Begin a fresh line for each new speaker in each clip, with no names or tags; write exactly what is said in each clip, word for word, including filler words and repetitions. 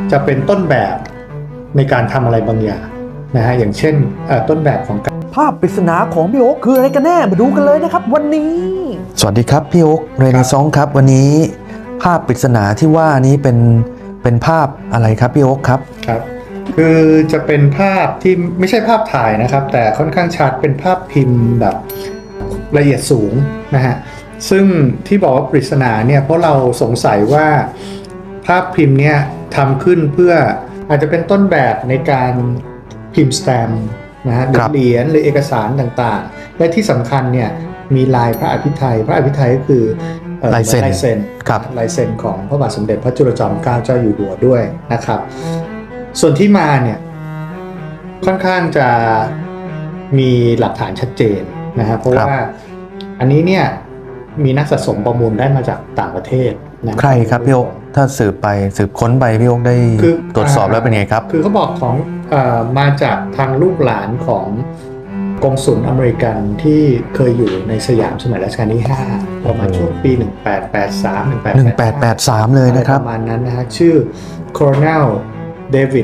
จะเป็นต้นแบบในการทำอะไรบางอย่างนะฮะอย่างเช่นต้นแบบของ
ภาพปริศนาของพี่โอ๊คคืออะไรกันแน่มาดูกันเลยนะครับวันนี้สวัสดีครับพี่โอ๊คเรเนซองส์ครับวันนี้ภาพปริศนาที่ว่านี้เป็นเป็นภาพอะไรครับพี่โอ๊คครับ
ครับคือจะเป็นภาพที่ไม่ใช่ภาพถ่ายนะครับแต่ค่อนข้างชัดเป็นภาพพิมพ์แบบละเอียดสูงนะฮะซึ่งที่บอกว่าปริศนาเนี่ยเพราะเราสงสัยว่าภาพพิมพ์เนี่ยทำขึ้นเพื่ออาจจะเป็นต้นแบบในการพิมพ์สแตมป์นะฮะเหรียญหรือเอกสารต่างๆและที่สำคัญเนี่ยมีลายพระอภิไธยพระอภิไธยก็คือ
ลายเซ็น
ลายเซ็นลายเซ็นของพระบาทสมเด็จพระจุลจอมเกล้าเจ้าอยู่หัวด้วยนะครับส่วนที่มาเนี่ยค่อนข้างจะมีหลักฐานชัดเจนนะครับเพราะว่าอันนี้เนี่ยมีนักสะสมประมูลได้มาจากต่างประเทศนะ
ใครครับพี่โอ๊คถ้าสืบไปสืบค้นไปพี่โอ๊คได้ตรวจสอบแล้วเป็นไงครับ
คือเขาบอกของเอ่อมาจากทางลูกหลานของกงสุลอเมริกันที่เคยอยู่ในสยามสมัยรัชกาลที่ห้าประมาณช่วงปีหนึ่งแปดแปดสาม หนึ่งแปดแปด
สามเลยนะครับ
ประมาณนั้นนะฮะชื่อ Colonel David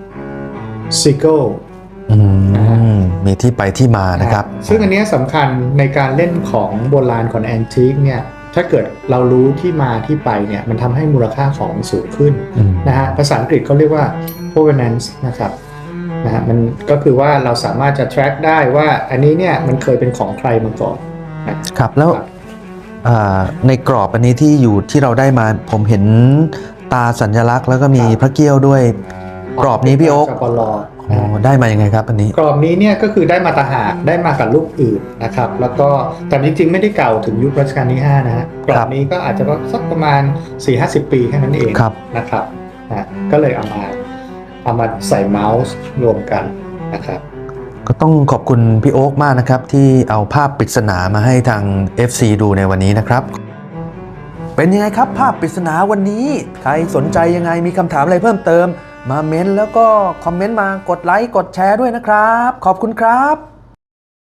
Siegel
มีที่ไปที่มานะครับ
ซึ่งอันนี้สำคัญในการเล่นของโบราณของแอนทิคเนี่ยถ้าเกิดเรารู้ที่มาที่ไปเนี่ยมันทำให้มูลค่าของสูงขึ้นนะฮะภาษาอังกฤษเขาเรียกว่า provenance นะครับนะฮะมันก็คือว่าเราสามารถจะ track ได้ว่าอันนี้เนี่ยมันเคยเป็นของใครมาก่อน
นะครับแล้วในกรอบอันนี้ที่อยู่ที่เราได้มาผมเห็นตาสัญลักษณ์แล้วก็มีพระเกี้ยวด้วยกรอบนี้พี่โอ๊คได้มายังไงครับอันนี้
กรอบนี้เนี่ยก็คือได้มาตาหากได้มากับรูปอื่นนะครับแล้วก็แต่จริงๆไม่ได้เก่าถึงยุครัชกาลที่ห้านะฮะกรอบนี้ก็อาจจะสักประมาณ สี่ห้าสิบ ปีแค่นั้นเองนะครับนะก็เลยเอามาเอามาใส่เมาส์รวมกันนะครับ
ก็ต้องขอบคุณพี่โอ๊คมากนะครับที่เอาภาพปริศนามาให้ทาง เอฟ ซี ดูในวันนี้นะครับเป็นยังไงครับภาพปริศนาวันนี้ใครสนใจยังไงมีคำถามอะไรเพิ่มเติมมาเม้นแล้วก็คอมเมนต์มากดไลค์กดแชร์ด้วยนะครับขอบคุณครับ